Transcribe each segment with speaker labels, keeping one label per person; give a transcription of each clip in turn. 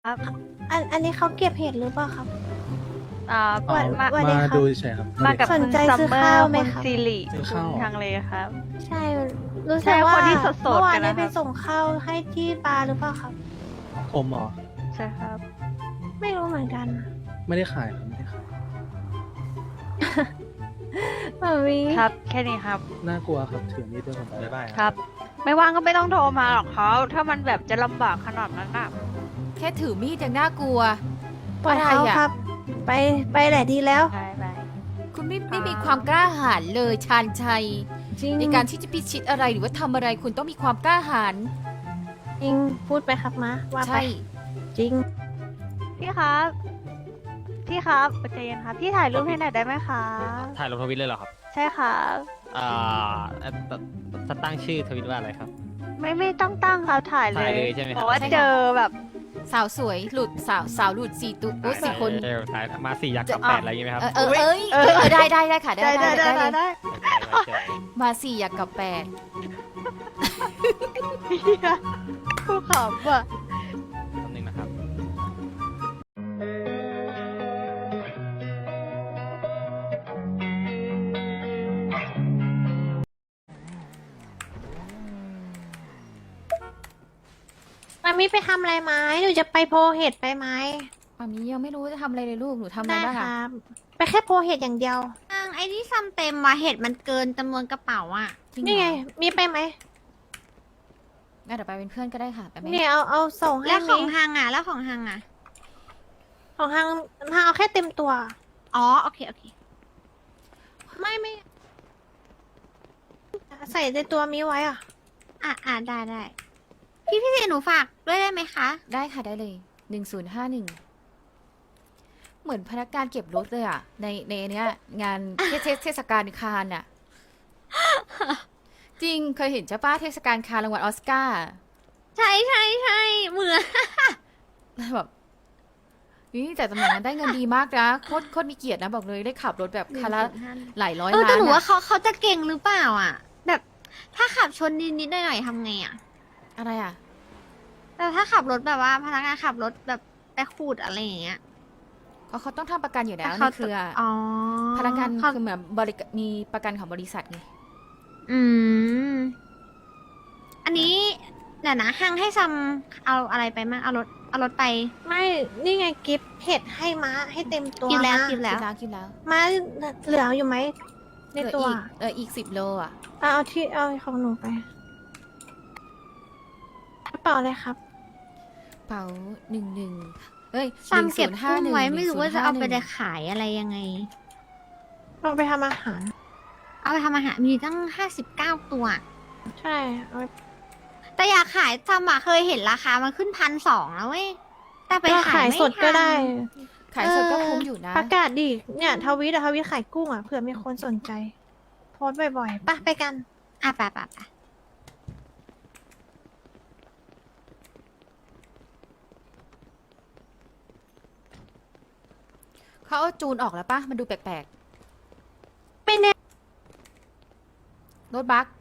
Speaker 1: ครับ
Speaker 2: อันนี้เขาเก็บเห็ดหรือเปล่าครับ
Speaker 1: อ่า
Speaker 2: อ๋อ
Speaker 1: มา
Speaker 2: สวัสดี
Speaker 3: มา
Speaker 2: ครับ
Speaker 3: ดูเฉยๆครับ
Speaker 1: มากับ
Speaker 2: สน
Speaker 1: คุณ
Speaker 2: ใจ
Speaker 1: ซัม
Speaker 2: ซื้อ
Speaker 1: เมอ
Speaker 2: ข้าว
Speaker 1: ร์
Speaker 2: ไหม
Speaker 1: คุณ
Speaker 2: ครับ
Speaker 1: ซิริ
Speaker 3: ซื้อ
Speaker 1: คุ
Speaker 3: ข้าว
Speaker 1: ณทางเลครับ
Speaker 2: ใช่ รู้
Speaker 1: ใช่
Speaker 2: สึกว่า
Speaker 1: คนที่สดๆ
Speaker 2: เมื่อวาน
Speaker 1: กันนะครับ
Speaker 2: นี้ไปส่งข้าวให้ที่บาร์หรือเปล่าครับ
Speaker 3: ผมเหรอ
Speaker 1: ใช่ครับ
Speaker 2: ไม่รู้เหมือนกัน
Speaker 3: ไม่ได้ขายครับไม่ได้ขาย
Speaker 2: มาวี
Speaker 1: ครับ แค่นี้ครับ
Speaker 3: น่ากลัวครับถือมีดด้วยผมไปบ้าย
Speaker 1: ครับ ไม่ว่างก็ไม่ต้องโทรมาหรอกเขาถ้ามันแบบจะลำบากขนาดนั้นน่ะ
Speaker 4: แค่ถือมีดยังน่ากลัว
Speaker 2: ปล่อยเขา
Speaker 4: อะไรอะ
Speaker 2: ครับ ไปแหละดีแล้ว
Speaker 1: ไปไป
Speaker 4: คุณไม่มีความกล้าหาญเลยชาญชัย
Speaker 2: จริง
Speaker 4: ในการที่จะพิชิตอะไรหรือว่าทำอะไรคุณต้องมีความกล้าหาญ
Speaker 2: จริงพูดไปครับมาว่าไป
Speaker 4: ใช่
Speaker 2: จริง
Speaker 1: พี่ครับ พี่ครับใจเย็นครับ พี่ถ่ายรูปให้หน่อยได้ไหมคะ
Speaker 5: ถ่ายลงทวิตเลยเหรอครับ
Speaker 1: ใช่ครับ
Speaker 5: อ่าตั้งชื่อทวิตว่าอะไรครับ
Speaker 1: ไม่ต้องตั้งครับถ่ายเล
Speaker 5: ถ่าย
Speaker 1: ย
Speaker 5: เลยใช่ไหมครับ
Speaker 1: บอกว่าเจอแบบ
Speaker 4: สาวสวยหลุดสาวหลุดสี่ตัวโอ้ยสี่คน
Speaker 5: ถ่ายมา4 ยักษ์กับ
Speaker 1: จะ
Speaker 5: 8อะไรอย่างงี้ไหมครับ
Speaker 4: ได้ค่ะได้เลย
Speaker 1: ได้
Speaker 4: มาสี่อยากกับแปด
Speaker 1: พี่ผู้ขำอ่ะ
Speaker 5: แป๊บนึงนะครับ
Speaker 2: มามีไปทำอะไรไหมหนูจะไปโพเห็ดไปไหม
Speaker 4: มามียังไม่รู้จะทำอะไรเลยลูกหนูทำอะไร
Speaker 2: ได้
Speaker 4: บ้าง
Speaker 2: ค
Speaker 4: อะ
Speaker 2: รับ ไปแค่โพเห็ดอย่างเดียว
Speaker 6: ไอ้ที่ซ้ำเต็มว่ะเห็ดมันเกินจำนวนกระเป๋าอ่ะ
Speaker 4: จริงเหรอ
Speaker 2: นี่ไง มีไปไหม
Speaker 4: งั้นเดี๋ยวไปเป็นเพื่อนก็ได้ค่ะไปไหม
Speaker 2: เนี่ยเอาส่งให้
Speaker 6: แล้วของ
Speaker 2: มี
Speaker 6: ฮังอ่ะ แล้วของฮังอ่ะ
Speaker 2: ของทางเอาแค่เต็มตัว
Speaker 6: อ๋อ โอเค โอเค
Speaker 2: ไม่ใส่ในตัวมีไว้อ่ะ
Speaker 6: ได้ได้พี่เจหนูฝากด้วยได้ไหมคะ
Speaker 4: ได้ค่ะได้เลย1051เหมือนพนักงานเก็บรถเลยอะในเนี้ยงานเทศกาลคานอะจริงเคยเห็นใช่ปะเทศกาลคานรางวัลออสการ์
Speaker 6: ใช่เหมือน
Speaker 4: แบบนี่แต่ตำแหน่งนั้นได้เงินดีมากนะโคตรมีเกียรตินะบอกเลยได้ขับรถแบบคันละหลายร้อย
Speaker 6: แต่
Speaker 4: ล้าน
Speaker 6: หนูว่า
Speaker 4: อะ
Speaker 6: เขาจะเก่งหรือเปล่าอ่ะ แบบถ้าขับชนนิดๆหน่อยๆทำไงอ่ะ
Speaker 4: อะไรอะ
Speaker 6: แต่ถ้าขับรถแบบว่าพนักงานขับรถแบบไปขูดอะไรอย่างเงี้ย
Speaker 4: เพราะเขาต้องทำประกันอยู่แล้ว
Speaker 6: แต่
Speaker 4: นี่คือ
Speaker 6: อ๋อ
Speaker 4: พนักงาน
Speaker 6: เขา
Speaker 4: คือเหมือนมีประกันของบริษัทไง
Speaker 6: อืม อันนี้เดี๋ยวนะฮังให้ซัมเอาอะไรไปมั่งเอารถไป
Speaker 2: ไม่ นี่ไงกิฟต์เห็ดให้ม้าให้เต็มตัว
Speaker 6: กินแล้ว
Speaker 2: ม้า
Speaker 6: กินแล้ว
Speaker 4: กินแล้ว
Speaker 2: ม้าเหลืออยู่ไหมใน
Speaker 4: เหลือ
Speaker 2: ตัว
Speaker 4: อีก10 โลอะ
Speaker 2: เอาของหนูไปกระเป๋าเลยครับ
Speaker 4: เป๋า11เฮ้ย
Speaker 6: ซัมเก็บกุ้งไว้
Speaker 4: 1051
Speaker 6: ไม่รู้ว่าจะเอาไป
Speaker 4: 1051
Speaker 6: ขายอะไรยังไง
Speaker 2: เราไปทำอาหาร
Speaker 6: เอาไปทำอาหารมีตั้ง59 ตัว
Speaker 2: ใช่เอาไป
Speaker 6: แต่อยากขายซัมอะเคยเห็นราคามันขึ้น1,200แล้วเว้ย แต่ไป
Speaker 2: ก็
Speaker 6: ขา
Speaker 2: ขาย ย
Speaker 6: ไม่
Speaker 2: สดก็
Speaker 6: ทัน
Speaker 2: ได้
Speaker 4: ขายสดก็คุ้มอยู่นะ
Speaker 2: ประกาศดิ เนี่ยทวิตขายกุ้งอ่ะ เผื่อมีคนสนใจ โพสต์บ่อยๆไปกัน
Speaker 6: อ่ะไป
Speaker 4: เขาเอาจูนออกแล้วปะมันดูแปลก
Speaker 2: ไม่แน่
Speaker 4: ๆ รถบัส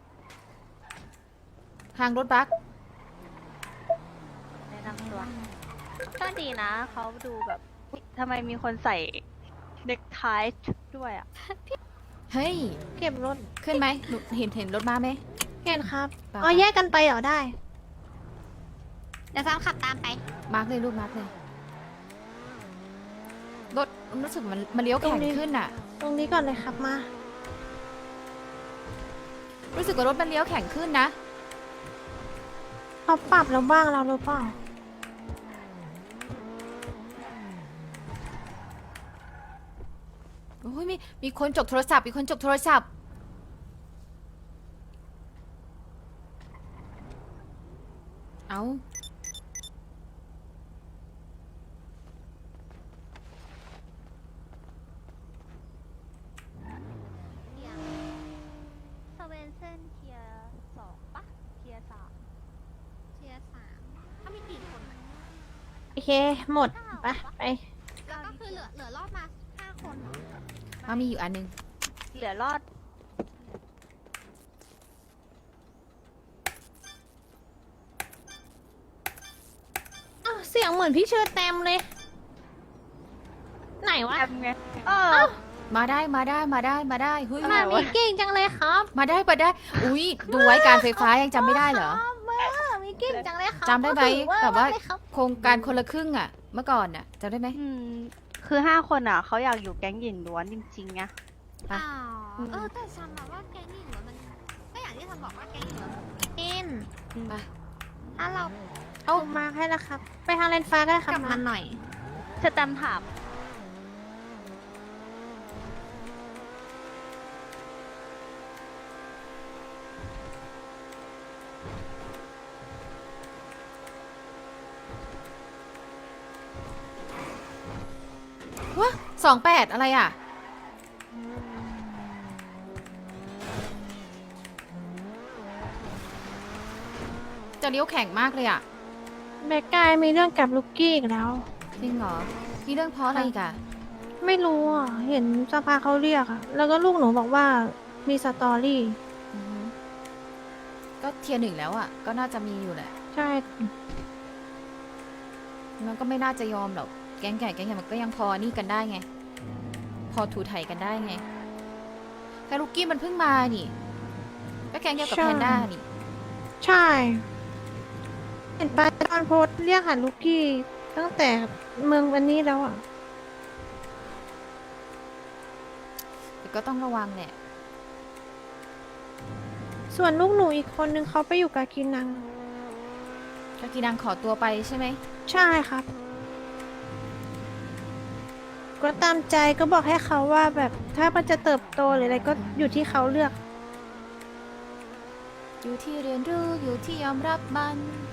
Speaker 4: ทางรถบัส
Speaker 1: แนะนำตัวก็ดีนะ เขาดูแบบอุ๊ยทำไมมีคนใส่เน็กไทด้วยอ่ะ
Speaker 4: เฮ้ย
Speaker 2: เก็บรถ
Speaker 4: ขึ้นไหมหนูเห็นรถมาไหม
Speaker 2: เห็นครับ
Speaker 4: เปล่า
Speaker 2: อ๋อแยกกันไปเหรอได้
Speaker 6: เดี๋ยวซัมขับตามไป
Speaker 4: มาร์กเลยรูปมาร์กเลย รถรู้สึกมันเลี้ยวแข็งขึ้นอะ
Speaker 2: ตรงนี้ก่อนเลยครับมา
Speaker 4: รู้สึกว่ารถมันเลี้ยวแข็งขึ้นนะ
Speaker 2: เขาปรับแล้วบ้างเราหรือเปล่า
Speaker 4: โอ้ยมีคนจกโทรศัพท์มีคนจกโทรศัพท์ เอา
Speaker 1: สเวนเซนเทีย2ปะเทีย3
Speaker 6: เทียร์3ถ้ามีกี่คนอะ
Speaker 2: โอเค หมด ไป
Speaker 6: แล้วก็คือเหลือรอบมา5 คนเหรอ
Speaker 4: เอามีอยู่อันนึง
Speaker 1: เหลือรอด
Speaker 2: อ้าวสิสียงเหมือนพี่เชิญแตมเลย ไหนวะ
Speaker 1: แอมไง
Speaker 4: มาได้มาได้มาได้มาได้เฮ้ย
Speaker 2: มามีเก่งจังเลยครับ
Speaker 4: มาได้มาได้ อุ้ยดูไว้การไฟฟ้ายังจำไม่ได้เหรอ
Speaker 2: มีเก่งจังเลยครับ
Speaker 4: จำได้ไหม
Speaker 2: ก็ถือ
Speaker 4: แบบว่า
Speaker 2: เลยครับ
Speaker 4: โครงการคนละครึ่งอ่ะ เมื่อก่อนอ่ะจำได้ไหม
Speaker 1: คือ5 คนอ่ะเขาอยากอยู่แก๊งหญิงล้วนจริงๆไง
Speaker 4: ไป
Speaker 6: แต่ซัมมาว่าแก๊งหญิงล้วนมันก็อย่างที่ซัมบอกว่าแก๊งหญิงล้วนกิน
Speaker 4: ไป
Speaker 6: ถ้าเรา
Speaker 2: เอามาให้แล้วครับ ไปทางเลนฟ้าก็ได้ค
Speaker 6: ก
Speaker 2: รับ
Speaker 6: ลับมาหน่อย
Speaker 1: จะจำถาม
Speaker 4: วะ28อะไรอ่ะ จะเลี้ยวแข็งมากเลยอ่ะ
Speaker 2: แบกกายมีเรื่องกับลูกกี้อีกแล้ว
Speaker 4: จริงเหรอมีเรื่องเพราะอะไรอีกอ่ะ
Speaker 2: ไม่รู้อ่ะ เห็นสภาเขาเรียกอ่ะ แล้วก็ลูกหนูบอกว่ามีสตอรี่
Speaker 4: อือฮึก็เทียร์ 1แล้วอ่ะ ก็น่าจะมีอยู่แหละ
Speaker 2: ใช่
Speaker 4: มันก็ไม่น่าจะยอมหรอก แก๊งใหญ่มันก็ยังพอนี่กันได้ไง พอถูไถกันได้ไงแต่ลูกกี้มันเพิ่งมานี่ก็แก๊งเดียวกับแพนด้านี่
Speaker 2: ใช่ เห็นไปตอนโพสต์เรียกหาลูกกี้ตั้งแต่เมืองวันนี้แล้วอ่ะ
Speaker 4: แต่ก็ต้องระวังแหละ
Speaker 2: ส่วนลูกหนูอีกคนนึงเขาไปอยู่กับกินัง
Speaker 4: กากีนังขอตัวไปใช่ไหม
Speaker 2: ใช่ครับ ก็ตามใจก็บอกให้เขาว่าแบบถ้ามันจะเติบโตหรืออะไรก็อยู่ที่เขาเลือก
Speaker 4: อยู่ที่เรียนรู้อยู่ที่ยอมรับมัน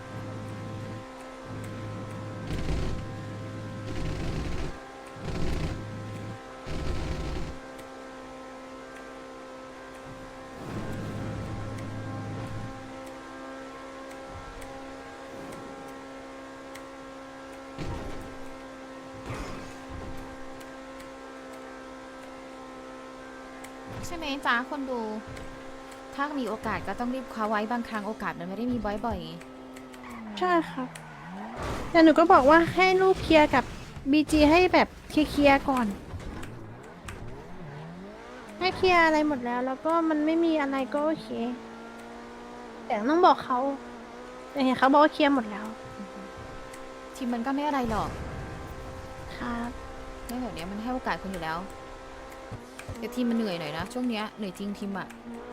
Speaker 4: ใช่ไหมจ้าคนดู ถ้ามีโอกาสก็ต้องรีบคว้าไว้บางครั้งโอกาสมันไม่ได้มีบ่อย
Speaker 2: ใช่ครับ แต่หนูก็บอกว่าให้ลูกเคลียร์กับบีจีให้แบบเคลียร์ๆก่อน ให้เคลียร์อะไรหมดแล้ว แล้วก็มันไม่มีอะไรก็โอเค แต่ต้องบอกเขาแต่เห็นเขาบอกว่าเคลียร์หมดแล้ว
Speaker 4: ๆทีมมันก็ไม่อะไรหรอก
Speaker 2: ครับ
Speaker 4: เรื่องแบบเนี้ยมันให้โอกาสคุณอยู่แล้ว แต่ทีมมันเหนื่อยหน่อยนะ ช่วงเนี้ยเหนื่อยจริงทีมอะ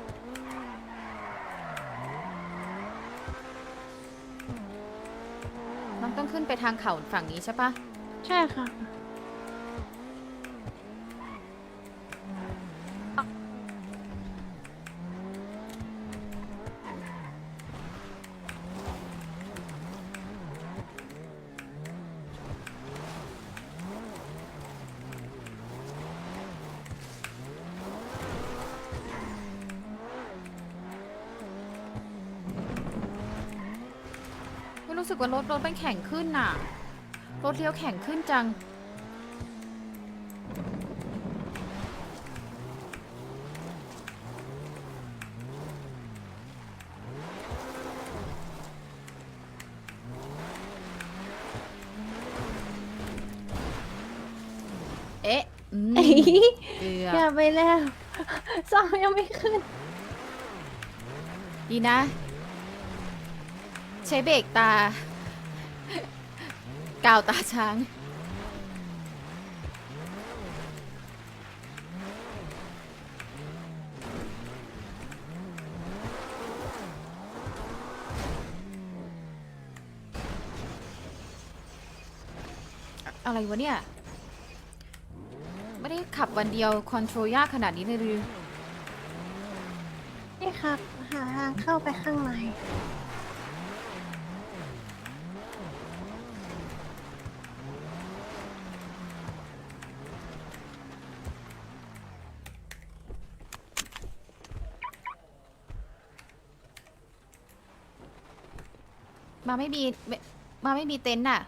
Speaker 4: น้องต้องขึ้นไปทางเขาฝั่งนี้ใช่ปะ
Speaker 2: ใช่ค่ะ
Speaker 4: ไม่รู้สึกว่ารถมันแข็งขึ้นน่ะ รถเลี้ยวแข็งขึ้นจัง เอ๊ะเกือ
Speaker 2: อย่า
Speaker 4: บ
Speaker 2: ไปแล้วซ้อมยังไม่ขึ้น
Speaker 4: ดีนะ ใช้เบรกตา กาวตาช้าง อะไรวะเนี่ย ไม่ได้ขับวันเดียว คอนโทรลยากขนาดนี้เลยหรือ
Speaker 2: นี่ครับ หาทางเข้าไปข้างใน
Speaker 4: มาไม่มีมาไม่มีเต็นท์น่ะ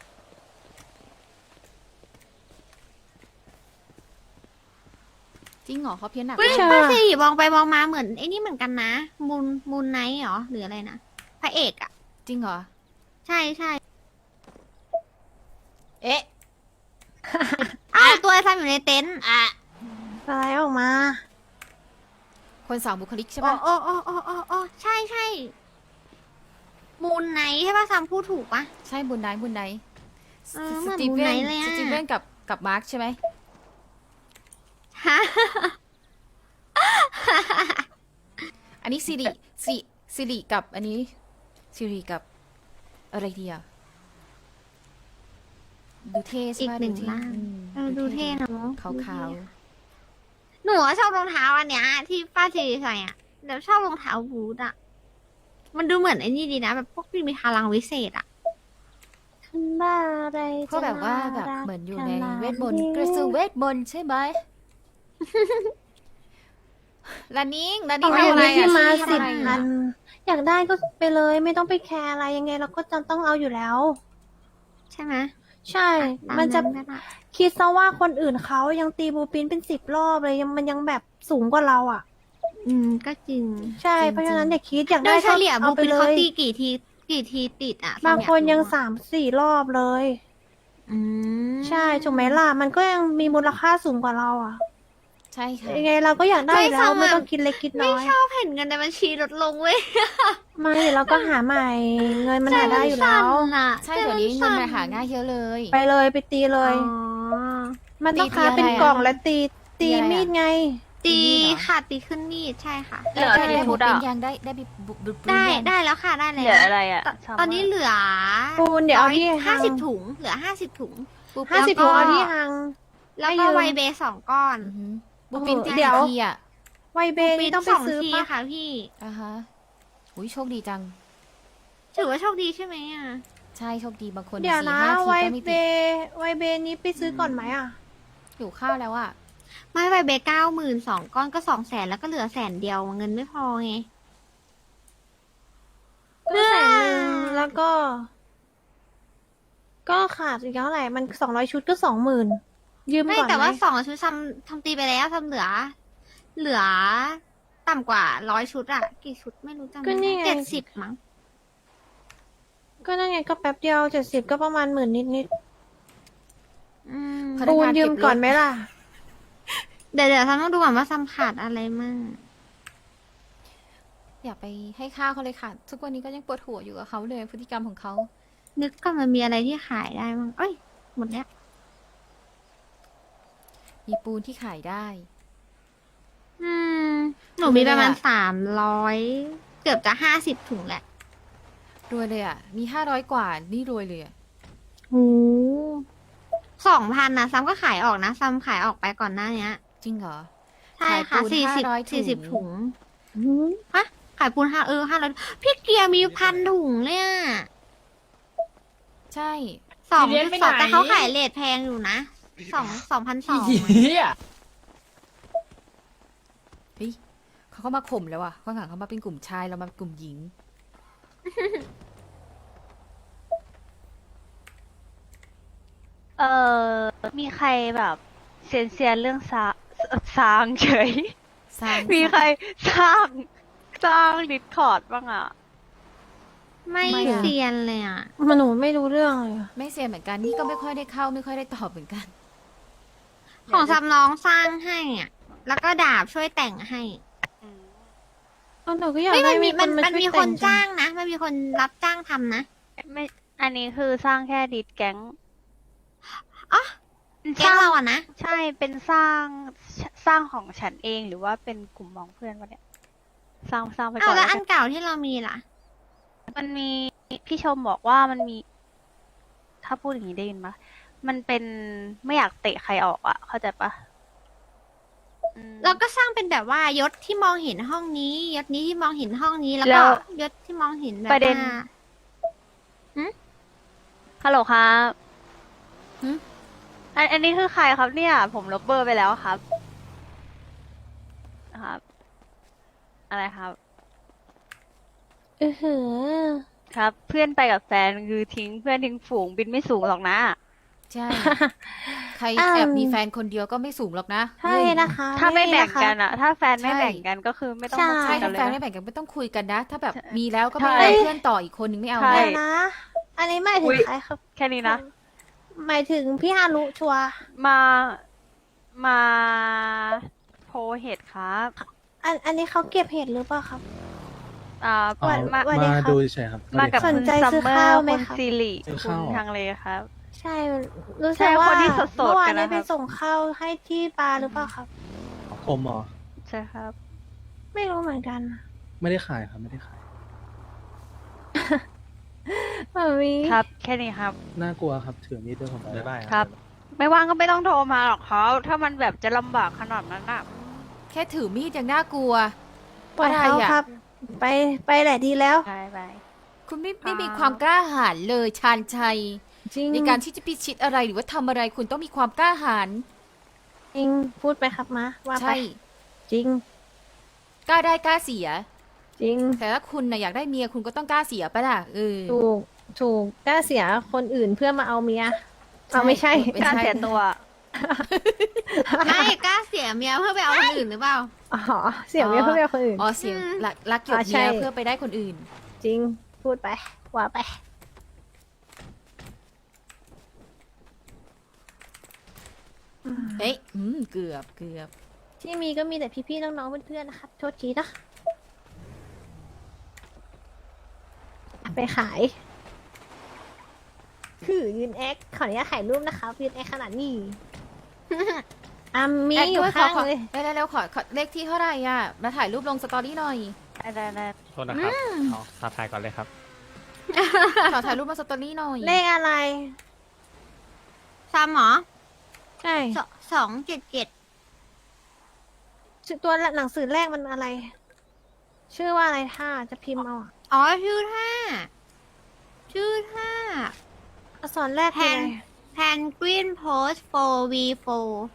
Speaker 4: จริงเหรอเขาเพี้ยนหนัก
Speaker 6: เฮ้ย
Speaker 4: เลย
Speaker 2: ใช่
Speaker 6: ป้าสิริมองไปมองมาเหมือนไอ้นี่เหมือนกันนะมูนไนท์เหรอหรืออะไรนะพระเอกอะ
Speaker 4: จริงเหรอ
Speaker 6: ใช่ใช่
Speaker 4: เอ๊ะ
Speaker 6: อ้าวตัวไอ้ซัมอยู่ในเต็นท์
Speaker 2: อะไรออกมา
Speaker 4: คนสองบุคลิกใช่
Speaker 6: โอ้
Speaker 4: ปะ
Speaker 6: โอ้โอ้โอ้โอ้โอ้ใช่ใช่มูนไนท์ใช่ป่ะซัมพูดถูกปะ
Speaker 4: ใช่บุญไนท์บุญไนท์
Speaker 6: เออเหมือน
Speaker 4: สตี
Speaker 6: บุญ
Speaker 4: เว
Speaker 6: ไน
Speaker 4: น
Speaker 6: ท์เลยอะ
Speaker 4: สตีเวนกับมาร์คใช่ไหม
Speaker 6: ฮะ
Speaker 4: อันนี้สิริกับอันนี้สิริกับอะไรดีอะดูเท่ใช่
Speaker 6: อีก
Speaker 4: ไหม
Speaker 6: หนึ่ง
Speaker 4: ดูเท่
Speaker 6: ร่าง
Speaker 4: อืม
Speaker 6: ดูเท่เนอะ
Speaker 4: ขาวขาว
Speaker 6: หนูอะชอบรองเท้าอันเนี้ยที่ป้าสิริใส่อ่ะเดี๋ยวชอบรองเท้าบูทอ่ะมันดูเหมือนไอ้นี่ดีนะแบบพวกที่มีพลังวิเศษอ่ะ
Speaker 2: ขึ้นบ้าอะไร
Speaker 4: ๆก็แบบว่าแบบ
Speaker 2: จะรัก
Speaker 4: เหมือนอยู่ใน
Speaker 2: ขนาด
Speaker 4: เวทมนต์กระสือเวทมนต์ใช่ไหมลานิง
Speaker 2: เอา
Speaker 4: ทำอะไร
Speaker 2: ที่
Speaker 4: อะ
Speaker 2: มา
Speaker 4: ทำ
Speaker 2: สิบ
Speaker 4: อะไร
Speaker 2: อั
Speaker 4: อะ
Speaker 2: น อยากได้ก็ไปเลยไม่ต้องไปแคร์อะไรยังไงเราก็จะต้องเอาอยู่แล้ว
Speaker 6: ใช่ไหม
Speaker 2: ใช่
Speaker 6: ตา
Speaker 2: มันจะ
Speaker 6: ก็ได้
Speaker 2: คิดซะว่าคนอื่นเขายังตีบูปินเป็น10 รอบเลยยังมันยังแบบสูงกว่าเราอ่ะ
Speaker 6: ก็จริง
Speaker 2: ใช่
Speaker 4: จริงๆ
Speaker 2: เพราะฉะนั้นอย่าคิดอยาก
Speaker 6: โด
Speaker 2: ได้
Speaker 6: ยเฉ
Speaker 2: ก็
Speaker 6: ลี่ยบู
Speaker 2: เอาไป
Speaker 6: ปิน
Speaker 2: เล
Speaker 6: เขา
Speaker 2: ย
Speaker 6: ตีกี่ทีติดอ่ะ
Speaker 2: บางคนยัง
Speaker 6: สาม
Speaker 2: 3-4 รอบเลย ใช่ถูกไหมล่ะมันก็ยังมีมูลค่าสูงกว่าเราอ่ะ
Speaker 4: ใช่ค่ะ
Speaker 2: ยังไงเราก็อยากได้อยู่แล้วไม่ต้องคิดเล็กคิด
Speaker 6: ไม่
Speaker 2: น้อย
Speaker 6: ชอบเห็นเงินในบัญชีลดลงเว้ย
Speaker 2: ไม่เดี๋ยวเราก็หาใหม่ เงินมันหาได้อยู่แล้ว
Speaker 4: ใช่เดี๋ยวนี้เงินมาหาง่ายเยอะเลย
Speaker 2: ไปเลยไปตีเลย มันต้อง
Speaker 4: ตี
Speaker 2: ค้า
Speaker 4: อะไร
Speaker 2: เป็น
Speaker 4: อะ
Speaker 2: กล่องและตี
Speaker 4: ตีอะไรอะ
Speaker 2: มีดไง
Speaker 6: ตีค่ะตีขึ้นมีดใช่ค่ะ
Speaker 1: เหลือ
Speaker 4: ได้
Speaker 1: อะไร
Speaker 4: ได้
Speaker 1: พู
Speaker 4: บุ
Speaker 1: ด
Speaker 4: เป็
Speaker 1: อ่ะ
Speaker 4: นยังได้บุบ
Speaker 6: ได้แล้วค่ะได้
Speaker 1: เห
Speaker 6: แล้
Speaker 1: ลือ
Speaker 6: ว
Speaker 1: อะไรอ่ะ
Speaker 6: ตอนนี้เหลือ
Speaker 2: ปูนเดี๋ยวเอาที่
Speaker 6: 50 ถุงเหลือ50 ถุง
Speaker 2: 50 ถุงเอาที่หัง
Speaker 6: แล้ว
Speaker 2: ไม่
Speaker 6: ก็
Speaker 2: เยอะ
Speaker 6: ไวเบย์2 ก้อน
Speaker 4: บุปินตี
Speaker 2: เดี๋ยว
Speaker 4: ทีอ่ะ
Speaker 2: ไวเบนี่ต้องไป
Speaker 6: 2
Speaker 2: ซื้อ
Speaker 6: ที
Speaker 2: ปะ
Speaker 6: ค่ะพี่
Speaker 4: อ่าฮะอุ้ยโชคดีจัง
Speaker 6: ถือว่าโชคดีใช่ไหมอ่ะ
Speaker 4: ใช่โชคดีบางคน
Speaker 2: เดี๋ยวนะ
Speaker 4: 4-5
Speaker 2: ไว
Speaker 4: ทีก็ไม่
Speaker 2: เบ
Speaker 4: ติด
Speaker 2: ไวเบนี้ไปซื้อก่อนไหมอ่ะ
Speaker 4: อยู่ข้าวแล้วอ่ะ
Speaker 6: ไม่ไวเบย์92,000 ก้อนก็200,000แล้วก็เหลือ100,000เดียวเงินไม่พอไง
Speaker 2: ก็100,000แล้วก็ ก็ขาดอีกเท่าไหร่มัน200 ชุดก็20,000ยืม
Speaker 6: ไม่
Speaker 2: ก่อน
Speaker 6: แต่
Speaker 2: ไหม
Speaker 6: ว่า2 ชุดทำตีไปแล้วทำเหลือต่ำกว่า100 ชุดอะกี่ชุดไม่รู้จำไม่ได้70มั้ง
Speaker 2: ก็นั่นไงก็แป๊บเดียว70ก็ประมาณ10,000นิด
Speaker 6: อืม
Speaker 4: พนั
Speaker 2: ๆปู
Speaker 4: ก
Speaker 2: น
Speaker 4: งาน
Speaker 2: ยืม
Speaker 4: เก็บรถ
Speaker 2: ก่อนไหมล่ะ
Speaker 6: เดี๋ยวทำต้องดูก่อนว่าซัมขาดอะไรมั่ง
Speaker 4: อย่าไปให้ข้าวเขาเลยค่ะ ทุกวันนี้ก็ยังปวดหัวอยู่กับเขาเลยพฤติกรรมของเขา
Speaker 6: นึกก่อนมันมีอะไรที่ขายได้มั้งเอ้ยหมดแล้ว
Speaker 4: มีปูนที่ขายได้
Speaker 6: หนูมีประมาณ300เกือบจะ50 ถุงแหละ
Speaker 4: รวยเลยอ่ะ มี500กว่า นี่รวยเลยอ่ะ
Speaker 6: โอ้2,000นะซัมก็ขายออกนะซัมขายออกไปก่อนหน้านี้
Speaker 4: จริงเหรอ
Speaker 6: ใช่ค่ะ
Speaker 4: ขายปูน500
Speaker 6: 40 ถุงฮะขายปูน500พี่เกียร์มี1,000 ถุงเลยอะ
Speaker 4: ใช่
Speaker 6: 2.2แต่เขาขายเลทแพงอยู่นะ2,200
Speaker 4: เฮ้ยเขาก็มาข่มแล้วอ่ะข้างหลังเขามาเป็นกลุ่มชายเรามาเป็นกลุ่มหญิง
Speaker 1: มีใครแบบเซียนเรื่องสร้างเฉย
Speaker 4: สร้าง
Speaker 1: มีใครสร้างดิสคอร์ดบ้างอ่ะ
Speaker 6: ไม่เซียนเลยอ่ะ
Speaker 2: มันหนูไม่รู้เรื่องเลยอะ
Speaker 4: ไม่เสียเหมือนกัน นี่ก็ไม่ค่อยได้เข้า ไม่ค่อยได้ตอบเหมือนกัน
Speaker 6: ของซัมน้องสร้างให้อ่ะ แล้วก็ดาบช่วยแต่งให้
Speaker 2: หนูก็อยาก
Speaker 6: ไม่
Speaker 2: ได้
Speaker 6: มันมี
Speaker 2: ช่วย
Speaker 6: คน
Speaker 2: แต่
Speaker 6: จ้างนะ มันมีคนรับจ้างทำนะ
Speaker 1: ไม่ อันนี้คือสร้างแค่ดิสแก๊ง
Speaker 6: อ๋อ แก๊งเราอะนะ
Speaker 1: ใช่ เป็นสร้างของฉันเองหรือว่าเป็นกลุ่มมองเพื่อนวะเนี่ย สร้างไปก่
Speaker 6: อ้า
Speaker 1: อ
Speaker 6: วน แล้ว
Speaker 1: แล้ว
Speaker 6: อั
Speaker 1: กัน
Speaker 6: นเก่าที่เรามีล่ะ
Speaker 1: มันมีพี่ชมบอกว่ามันมี ถ้าพูดอย่างนี้ได้ยินปะมันเป็นไม่อยากเตะใครออกอ่ะ เข้าใจปะอืม
Speaker 6: เราก็สร้างเป็นแบบว่ายศที่มองเห็นห้องนี้ ยศนี้ที่มองเห็นห้องนี้ แล้ว
Speaker 1: แล้
Speaker 6: ก็
Speaker 1: ว
Speaker 6: ยศที่มองเห็นแบบ
Speaker 1: ประเด็น
Speaker 6: ว่า
Speaker 1: ฮัลโหลครับ
Speaker 4: หึ
Speaker 1: อันนี้คือใครครับเนี่ย ผมลบเบอร์ไปแล้วครับ ครับ อะไรครับ
Speaker 2: หือ
Speaker 1: ครับ เพื่อนไปกับแฟนคือทิ้งเพื่อนทิ้งฝูงบินไม่สูงหรอกนะ
Speaker 4: ใช่ ใคร
Speaker 2: อืม
Speaker 4: แอบมีแฟนคนเดียวก็ไม่สูงหรอกนะ
Speaker 2: ใช่นะคะ
Speaker 1: ถ้าไม่แบ่ง
Speaker 2: นะคะ
Speaker 1: กันอะถ้าแฟนไม่
Speaker 4: ใช่
Speaker 1: แบ่งกันก็คือไม่ต้องมา
Speaker 2: ใช่
Speaker 1: คุย
Speaker 4: ใช่
Speaker 1: กั
Speaker 4: ถ้าน
Speaker 1: เล
Speaker 4: แฟ
Speaker 1: ย
Speaker 4: น
Speaker 1: นะ
Speaker 4: ไม่แบ่งกันไม่ต้องคุยกันนะ ถ้าแบบ
Speaker 1: ใช่
Speaker 4: มีแล้วก็
Speaker 1: ใช่
Speaker 4: ไม่มีเพื่อนต่ออีกคนนึงไม่เอา
Speaker 1: ใช่
Speaker 4: นะ
Speaker 2: เดี๋ยวนะ อันนี้หมายถึ
Speaker 1: อุ๊
Speaker 2: ง
Speaker 1: ย
Speaker 2: ใครครับ
Speaker 1: แค่นี้นะ
Speaker 2: หมายถึงพี่ฮารุชัวร์
Speaker 1: มาโพเหตุครับ
Speaker 2: อันนี้เขาเก็บเห็ดหรือเปล่าครับ
Speaker 1: อ่า
Speaker 3: อ๋อ
Speaker 1: มา
Speaker 2: สวัสดี
Speaker 3: มา
Speaker 2: ครับ
Speaker 3: ดูเฉยๆครับ
Speaker 1: มากับ
Speaker 3: สวัส
Speaker 2: ส
Speaker 3: ดี
Speaker 2: น
Speaker 3: ค
Speaker 2: ใจ
Speaker 3: รับ
Speaker 1: คุณซัม
Speaker 2: ซื้อ
Speaker 1: เมอ
Speaker 2: ข้าว
Speaker 1: ร์
Speaker 2: ไหม
Speaker 1: คุณ
Speaker 2: คะ
Speaker 1: ซิริ
Speaker 3: ซื้อ
Speaker 1: คุ
Speaker 3: ข้าว
Speaker 1: ณ
Speaker 3: เหรอ
Speaker 1: ทางเลครับ
Speaker 2: ใช่ รู้
Speaker 1: ใช่
Speaker 2: สึกว่า
Speaker 1: คนที่สดๆ
Speaker 2: เมื่อวาน
Speaker 1: กัน
Speaker 2: ได้
Speaker 1: นะค
Speaker 2: ไป
Speaker 1: รับ
Speaker 2: ส่งข้าวให้ที่ปลาหรือเปล่าครับ
Speaker 3: ผมเหรอ
Speaker 1: ใช่ครับ
Speaker 2: ไม่รู้เหมือนกัน
Speaker 3: ไม่ได้ขายครับไม่ได้ขาย
Speaker 2: มามี
Speaker 1: ครับ แค่นี้ครับ
Speaker 3: น่ากลัวครับถือมีดด้วยผมบ๊ายบาย
Speaker 1: ครับ ไม่ว่างก็ไม่ต้องโทรมาหรอกเขาถ้ามันแบบจะลำบากขนาดนั้นอะ
Speaker 4: แค่ถือมีดยังน่ากลัว
Speaker 2: ปล่อย
Speaker 4: อะไร
Speaker 2: เขา
Speaker 4: อะ
Speaker 2: ครับ ไปแหละดีแล้ว
Speaker 1: ไป
Speaker 4: คุณไม่
Speaker 1: ครับ
Speaker 4: มีความกล้าหาญเลยชาญชัย
Speaker 2: จริง
Speaker 4: ในการที่จะพิชิตอะไรหรือว่าทำอะไรคุณต้องมีความกล้าหาญ
Speaker 2: จริงพูดไปครับมาว่าไป
Speaker 4: ใช่
Speaker 2: จริง
Speaker 4: กล้าได้กล้าเสีย
Speaker 2: จริง
Speaker 4: แต่ถ้าคุณน่ะอยากได้เมียคุณก็ต้องกล้าเสียปะล่ะ
Speaker 2: ถูกกล้าเสียคนอื่นเพื่อมาเอาเมียเอาไม่ใช่
Speaker 4: ไม่
Speaker 1: การ
Speaker 4: ใช่
Speaker 1: เสียตัว
Speaker 6: ไม่กล้าเสียเมียเพื่อไปเอาคนอื่นหรือเปล่า
Speaker 2: อ๋อเสียเมียเพื่อไปเอาคนอื่น
Speaker 4: อ๋อเสียงรักหยด
Speaker 2: ใช่
Speaker 4: เมียเพื่อไปได้คนอื่น
Speaker 2: จริงพูดไปว่าไป
Speaker 4: เฮ้ยเกือบ
Speaker 2: ที่มีก็มีแต่พี่ๆน้องๆเพื่อนๆนะครับโทษทีนะไปขายคือยืนแอคขออนุญาตถ่ายรูปนะคะยืนแอคขนาดนี้มี
Speaker 4: แอด
Speaker 2: อยู่
Speaker 4: ด้วย
Speaker 2: ข้าง
Speaker 4: ขอ
Speaker 2: เลย
Speaker 4: แล้วขอเลขที่เท่าไหร่อ่ะ มาถ่ายรูปลงสตอรี่หน่อย
Speaker 1: ได้
Speaker 5: โทษนะครับเอาท้าทายก่อนเลยครับ
Speaker 4: ขอถ่ายรูปมาสตอรี่หน่อย
Speaker 2: เลขอะไร
Speaker 6: ซ้ำเหรอ
Speaker 2: ใช่
Speaker 6: 277
Speaker 2: ชื่อตัวหนังสือแรกมันอะไร ชื่อว่าอะไรถ้าจะพิมพ์เอาอะ
Speaker 6: อ๋อ ชื่อท่า
Speaker 2: อักษรแรก
Speaker 6: แพ
Speaker 2: คือน อะไร
Speaker 6: แพนกวินโพส 4v4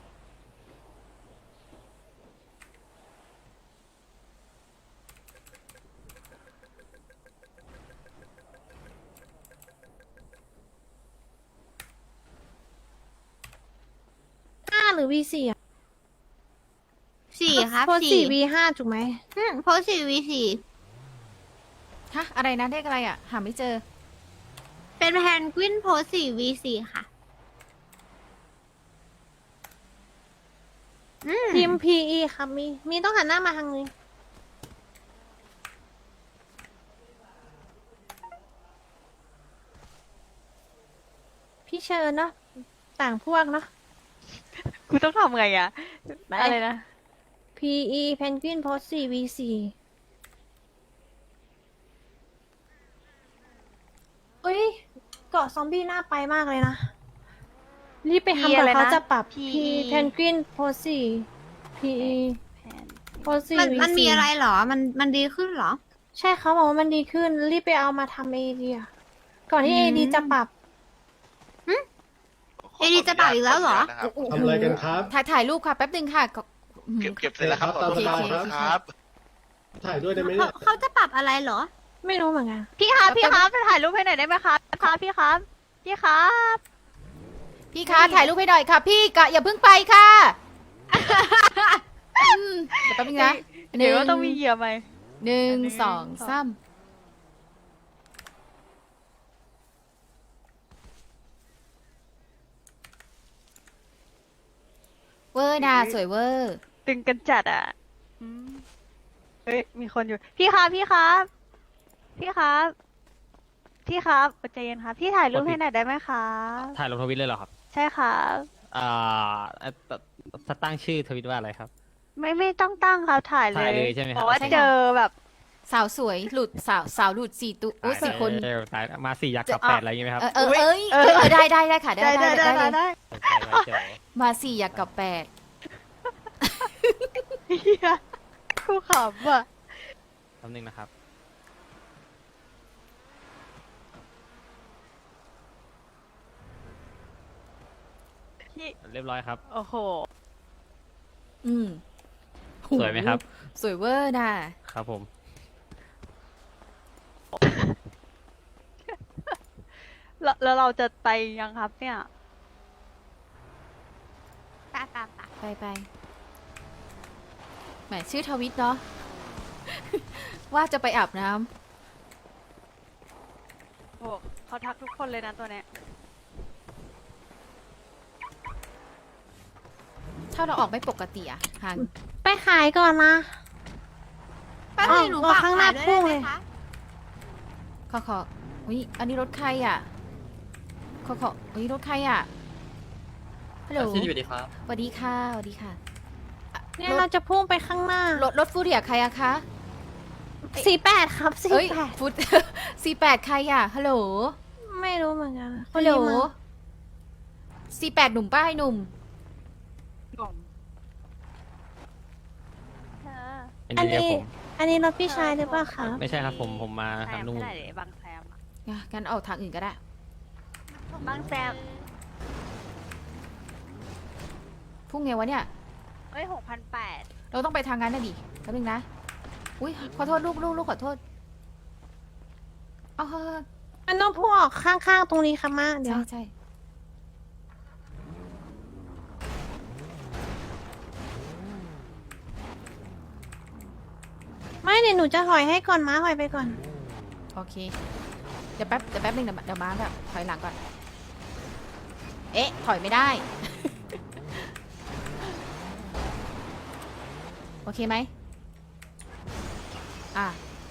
Speaker 2: 5หรือ V4 อ่ะ
Speaker 6: 4 ครับ
Speaker 2: โพสต์
Speaker 6: 4
Speaker 2: 4 V5 ถูกไหม
Speaker 6: โพส 4v4
Speaker 4: ฮะ อะไรนะเลขอะไรอ่ะ หาไม่เจอ
Speaker 6: เป็นแพนกวินโพส 4v4 ค่ะ
Speaker 2: พิมพ์ PE ครับมีต้องหันหน้ามาทางนี้ พี่เชิญเนาะต่างพวกเนาะ
Speaker 1: กูต้องทำไงอะ
Speaker 2: ไป
Speaker 1: อะไรนะ
Speaker 2: PE Penguin Post 4 V4 เอ้ยเกาะซอมบี้น่าไปมากเลยนะ รีบไปทำก่อนเขาจะปรับ P Penguin Post 4 PE Post 4 V4
Speaker 6: มันมีอะไรเหรอ มันดีขึ้นเหรอ
Speaker 2: ใช่เขาบอกว่ามันดีขึ้น รีบไปเอามาทำ AD อะก่อนที่ AD จะปรับ
Speaker 6: เอดีจะปรับอีกแล้วเหรอ
Speaker 7: ทำอะไรกันครับ
Speaker 4: ถ่ายรูปค่ะ แป๊บหนึ่งค่ะก็
Speaker 7: เก็บเสร็จแล้วครับ
Speaker 4: โอเค
Speaker 7: ตามสบายครับ ถ่ายด้วยได้ไหมเนี่ย
Speaker 6: เขาจะปรับอะไรเหรอ
Speaker 2: ไม่รู้เหมือนกัน
Speaker 1: พี่ครับจะถ่ายรูปให้หน่อยได้ไหมครับพี่ครับ
Speaker 4: พี่คะถ่ายรูปให้หน่อยค่ะ พี่กะอย่าเพิ่งไปค่ะเดี๋ยวแป๊บนึงนะ
Speaker 1: เดี๋ยวก็ต้องมีเหยื่อไหม
Speaker 4: 1 2 3เวอร์นะสวยเวอร์
Speaker 1: ตึงกันจัดอ่ะอืมเฮ้ย มีคนอยู่ พี่ครับใจเย็นครับ พี่ถ่ายรูปให้หน่อยได้ไหมครับ
Speaker 5: ถ่ายลงทวิตเลยเหรอครับ
Speaker 1: ใช่ครับ
Speaker 5: ถ้าตั้งชื่อทวิตว่าอะไรครับ
Speaker 1: ไม่ต้องตั้งครับถ่ายเล
Speaker 5: ถ่าย ยเลยใช่ไหมครับ
Speaker 1: เพราะว่า
Speaker 4: ใช่ค่ะ
Speaker 1: เจอแบบ
Speaker 4: สาวสวยหลุดสาวหลุด4ตัวอุ้ย4 คน
Speaker 5: ตายมา4ยักษ์กับ
Speaker 4: จะ
Speaker 5: 8อะไรอย่างงี้ไหมครับ
Speaker 4: ได้ค่ะได้เลย
Speaker 1: ได้
Speaker 5: เดี๋ยว
Speaker 4: มา4อยากกับ8
Speaker 1: เฮียกูขำอ่ะ
Speaker 5: แป๊บนึงนะครับ
Speaker 1: พี่
Speaker 5: เรียบร้อยครับ
Speaker 1: โอ้โห
Speaker 4: อืม
Speaker 5: สวยไหมครับ
Speaker 4: สวยเวอร์น่ะ
Speaker 5: ครับผม
Speaker 1: แล้วเราจะไปยังครับเนี่ย
Speaker 4: ไปแหมชื่อทวิตเนาะ ว่าจะไปอาบน้ำ
Speaker 1: โอ้เขาทักทุกคนเลยนะตัวเนี้ย
Speaker 4: ถ้าเราออกไม่ปกติอะฮัน
Speaker 2: ไปขายก่อนนะ
Speaker 6: ป้าทีหนูฝาก
Speaker 2: ข้างหน้า
Speaker 6: ขายด้วย
Speaker 2: พุ่
Speaker 6: ได้
Speaker 2: ง
Speaker 6: ไหม
Speaker 2: เลย
Speaker 6: คะ
Speaker 4: ขออุ้ยอันนี้รถใครอะอุ้ยรถใครอะฮัลโหล
Speaker 5: พี่สวัสดีครับ
Speaker 4: สวัสดีค่ะสวัสดีค่ะ
Speaker 2: เนี่ยเราจะพุ่งไปข้างหน้าร
Speaker 4: ถฟูเรียใครอะคะ
Speaker 2: 48ครับ
Speaker 4: เอ้ย
Speaker 2: 48
Speaker 4: ฟุต 48ใครอะฮัลโหล
Speaker 2: ไม่รู้เหมือนกัน
Speaker 4: ฮัลโหล
Speaker 2: คนนี้มา
Speaker 4: 48หนุ่มป้าให้หนุ่ม
Speaker 2: อันนี้รถพี่ชายหรือเปล่าคะ
Speaker 5: ไม่ใช่ครับผมมา
Speaker 1: แซ
Speaker 5: ทาง
Speaker 1: ม
Speaker 5: นู่น
Speaker 1: ไม่ได้เดี๋ยวบางแซมอะ
Speaker 4: งั้นเอาทางอื่นก็ได้
Speaker 1: บางแซม
Speaker 4: พุ่งไงวะเนี่ย
Speaker 1: เอ้ย6,800
Speaker 4: เราต้องไปทางนั้นนะดิแป๊บนึงนะ อุ้ยขอโทษลูกขอโทษ เอาเฮ้ย
Speaker 2: มันต้องพุ่งออกข้างๆตรงนี้ค่ะมาเดี๋ยว
Speaker 4: ใช่
Speaker 2: ไม่เดี๋ยวหนูจะถอยให้ก่อนม้าถอยไปก่อน
Speaker 4: โอเค เดี๋ยวแป๊บนึงเดี๋ยวมาแบบถอยหลังก่อน เอ๊ะ ถอยไม่ได้ โอเคไหมอ่ะ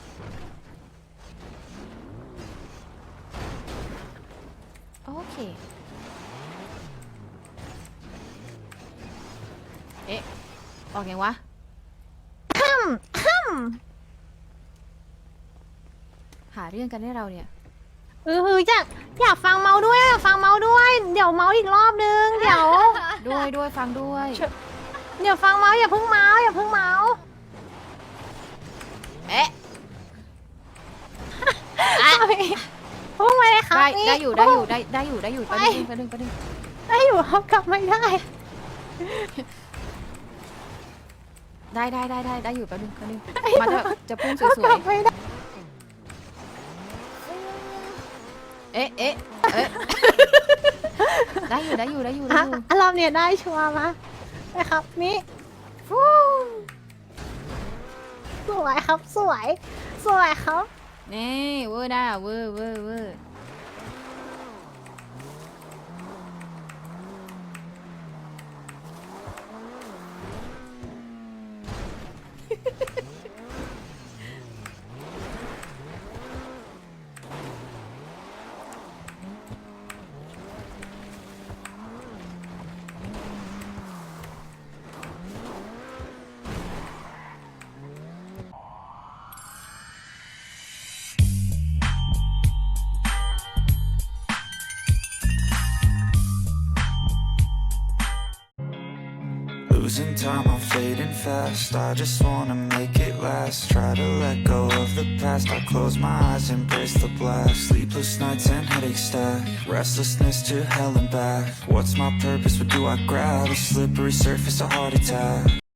Speaker 4: โอเค เอ๊ะ ออกไงวะ หาเรื่องกันให้เราเนี่ย
Speaker 2: อยากฟังเมาส์ด้วยอยากฟังเมาส์ด้วย เดี๋ยวเมาส์อีกรอบนึง เดี๋ยว
Speaker 4: ด้วยฟังด้วย
Speaker 2: เดี๋ยวฟังเมาส์อย่าเพิ่งเมาส์อย่าเพิ่งเมาส์
Speaker 4: เอ๊ะ
Speaker 2: พุ่งไปเลยครับ
Speaker 4: ได้อยู่แป๊บนึง
Speaker 2: ได้อยู่ครับกลับไม่ได้
Speaker 4: ได้อยู่แป๊บนึงมาจะพุ่งส
Speaker 2: ก
Speaker 4: ว
Speaker 2: ลั
Speaker 4: ย
Speaker 2: บไม่ได้
Speaker 4: ๆเอ๊ะ ได้อยู่
Speaker 2: อ่ะรอบเนี้ยได้ชัวร์มานะครับนี่ฟูสวยครับสวยครับ
Speaker 4: นี่เวอร์ด้าเวอร์
Speaker 8: Losing time, I'm fading fast. I just wanna make it last. Try to let go of the past. I close my eyes, embrace the blast. Sleepless nights and headaches stack. Restlessness to hell and back. What's my purpose? What do I grab? A slippery surface, a heart attack.